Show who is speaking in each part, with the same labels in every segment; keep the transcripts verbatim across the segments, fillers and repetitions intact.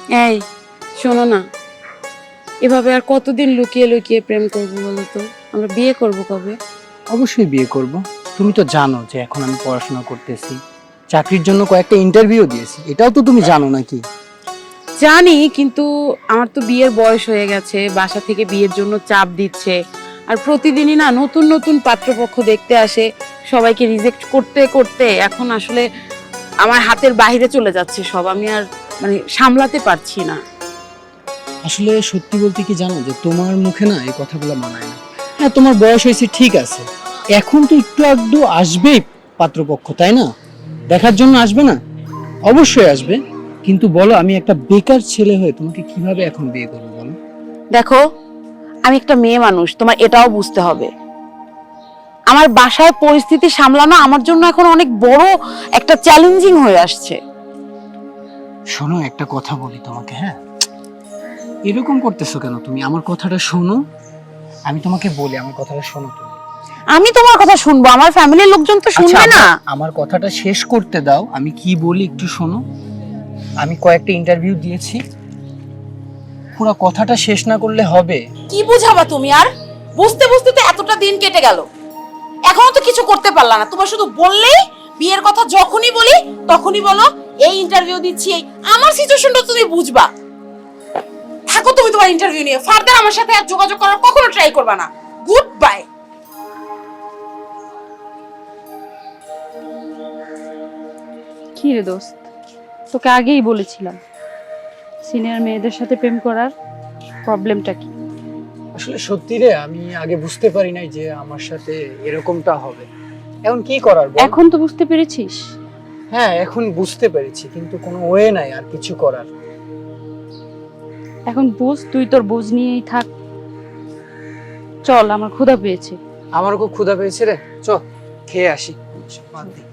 Speaker 1: এই শোনো না, এভাবে আর কতদিন লুকিয়ে লুকিয়ে প্রেম করবো বলো তো? আমরা বিয়ে করব কবে?
Speaker 2: অবশ্যই বিয়ে করব। তুমি তো জানো যে এখন আমি পড়াশোনা করতেছি, চাকরির জন্য কয়েকটা ইন্টারভিউ দিয়েছি, এটাও তো তুমি জানো নাকি?
Speaker 1: জানি, কিন্তু আমার তো বিয়ের বয়স হয়ে গেছে, বাসা থেকে বিয়ের জন্য চাপ দিচ্ছে, আর প্রতিদিনই না নতুন নতুন পাত্রপক্ষ দেখতে আসে, সবাইকে রিজেক্ট করতে করতে এখন আসলে আমার হাতের বাইরে চলে যাচ্ছে সব, আমি আর মানে সামলাতে পারছি না।
Speaker 2: আসলে সত্যি বলতে কি জানো, যে তোমার মুখে না এই কথাগুলো মানায় না। হ্যাঁ, তোমার বয়স হয়েছে ঠিক আছে, এখন তো একটু আধটু আসবেই পাত্রপক্ষ, তাই না? দেখার জন্য আসবে না? অবশ্যই আসবে, কিন্তু বলো আমি একটা বেকার ছেলে হয়ে তোমাকে কিভাবে এখন বিয়ে করবো বলো?
Speaker 1: দেখো, আমি একটা মেয়ে মানুষ, তোমার এটাও বুঝতে হবে। আমার বাসায় পরিস্থিতি সামলানো আমার জন্য এখন অনেক বড় একটা চ্যালেঞ্জিং হয়ে আসছে।
Speaker 2: শোনো, একটা কথা বলি তোমাকে, হ্যাঁ? এরকম করতেছো কেন তুমি? আমার কথাটা শোনো, আমি তোমাকে বলি, আমার কথাটা শোনো তুমি।
Speaker 1: আমি তোমার কথা শুনবো, আমার ফ্যামিলির লোকজন তো শুনবে
Speaker 2: আচ্ছা,
Speaker 1: না।
Speaker 2: আমার- আমার কথাটা শেষ করতে দাও, আমি কি বলি একটু শোনো। আমি কয়েকটা ইন্টারভিউ দিয়েছি, পুরো কথাটা শেষ না করলে হবে?
Speaker 1: কি বুঝাবা তুমি? আর বুঝতে বুঝতে তো এতটা দিন কেটে গেল, এখনো তো কিছু করতে পারলা না। তোমার শুধু বললেই বিয়ের কথা যখনই বলি তখনই বলো এই ইন্টারভিউ দিচ্ছি। আমার সিচুয়েশনটা তুমি বুঝবা। থাকো তুমি তোমার ইন্টারভিউ নিয়ে, ফার্দার আমার সাথে আর যোগাযোগ করার কখনো ট্রাই করবা না। Good bye.
Speaker 3: কি রে দোস্ত, তোকে আগেই বলেছিলাম সিনিয়র মেয়েদের সাথে প্রেম করার প্রবলেমটা কি।
Speaker 2: আসলে সত্যি রে, আমি আগে বুঝতে পারি নাই যে আমার সাথে এরকমটা হবে। এখন কি করার বল?
Speaker 3: এখন তো বুঝতে পেরেছিস?
Speaker 2: হ্যাঁ, এখন বুঝতে পেরেছি, কিন্তু কোনো ওয়ে নাই আর কিছু করার।
Speaker 3: এখন বুঝ, তুই তোর বুঝ নিয়েই থাক। চল, আমার ক্ষুধা পেয়েছে।
Speaker 2: আমারও খুব ক্ষুধা পেয়েছে রে, চল খেয়ে আসি। বাদ দে।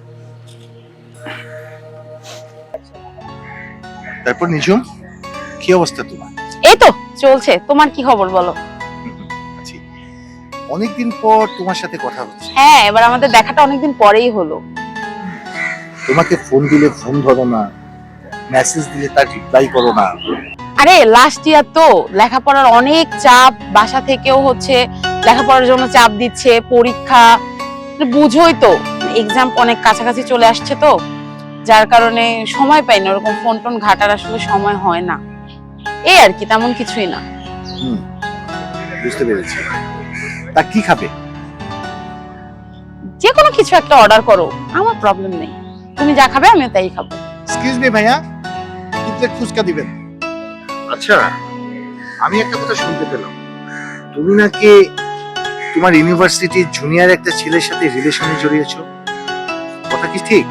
Speaker 4: তারপর নিজম, কি অবস্থা তোমার?
Speaker 1: এই তো চলছে, তোমার কি খবর বলো?
Speaker 4: আছি, অনেকদিন পর তোমার সাথে কথা হচ্ছে।
Speaker 1: হ্যাঁ, এবার আমাদের দেখাটা অনেকদিন পরেই হলো।
Speaker 4: তোমাকে ফোন দিলে ফোন ধরো না, মেসেজ দিলে তার রিপ্লাই করো না।
Speaker 1: আরে লাস্ট ইয়ার তো লেখাপড়ার অনেক চাপ, বাসা থেকেও হচ্ছে লেখাপড়ার জন্য চাপ দিচ্ছে, পরীক্ষা বুঝোই তো, এক্সাম অনেক কাছাকাছি চলে আসছে তো, যার কারণে সময় পাই না, ওরকম ফোন টোন ঘাটার আসলে সময় হয় না। এই আর কি, তেমন কিছুই না।
Speaker 4: হুম, বুঝতে পেরেছি। তা কি খাবে?
Speaker 1: যে কোনো কিছু একটা অর্ডার করো, আমার প্রবলেম নেই। তুমি যা খাবে আমি তাই খাবো।
Speaker 4: এক্সকিউজ মি ভাইয়া, কি প্লেট ফুচকা দিবেন? আচ্ছা, আমি একটা কথা শুনতে পেলাম, তুমি নাকি তোমার ইউনিভার্সিটির জুনিয়র একটা ছেলের সাথে রিলেশনে জড়িয়েছো, কথা কি ঠিক?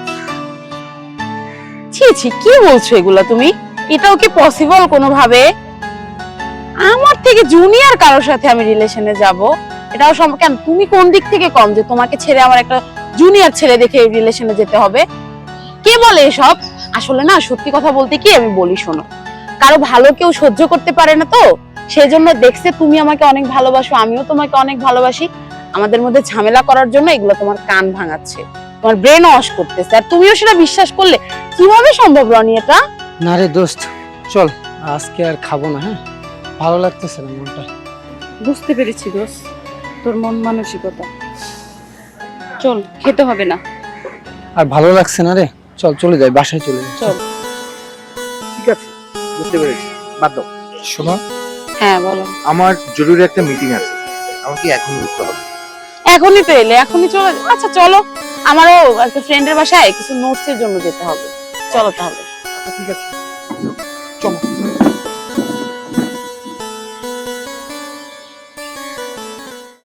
Speaker 1: ছি ছি, কি বলছো এগুলা তুমি? এটাও কি পসিবল কোনোভাবে? আমার থেকে জুনিয়র কারোর সাথে আমি রিলেশনে যাব? এটাও সম্ভব কেন? তুমি কোন দিক থেকে কম যে তোমাকে ছেড়ে আমার একটা জুনিয়র ছেলে দেখে রিলেশনে যেতে হবে? কে বলে এসব? আসলে না, সত্যি কথা বলতে কি, আমি বলি শোনো, কারো ভালো কেউ সহ্য করতে পারে না তো, সেই জন্য দেখছে তুমি আমাকে অনেক ভালোবাসো, আমিও তোমাকে অনেক ভালোবাসি, আমাদের মধ্যে ঝামেলা করার জন্য এগুলো তোমার কান ভাঙাচ্ছে, তোমার ব্রেন ওয়াশ করতেছে, আর তুমিও সেটা বিশ্বাস করলে? কিভাবে সম্ভব রনি এটা?
Speaker 2: না রে দোস্ত, চল আজকে আর খাবো না। হ্যাঁ, ভালো লাগতেছে না মনটা।
Speaker 3: বুঝতে পেরেছি দোস্ত, তোর মন মানসিকতা। চল, খেতে হবে না।
Speaker 2: আর ভালো লাগছে না রে, চল চলে যাই, বাসায় চলে যাই।
Speaker 3: চল।
Speaker 4: ঠিক আছে, বুঝতে পেরেছি, বাদ দাও। শোনো,
Speaker 1: হ্যাঁ বলো।
Speaker 4: আমার জরুরি একটা মিটিং আছে, আমাকে এখন উঠতে হবে।
Speaker 1: এখনই তো এলে, এখনই চলে যাও। আচ্ছা চলো, আমারও একটা ফ্রেন্ডের বাসায় কিছু নোটস এর জন্য যেতে হবে, চলো তাহলে।
Speaker 4: আচ্ছা ঠিক আছে।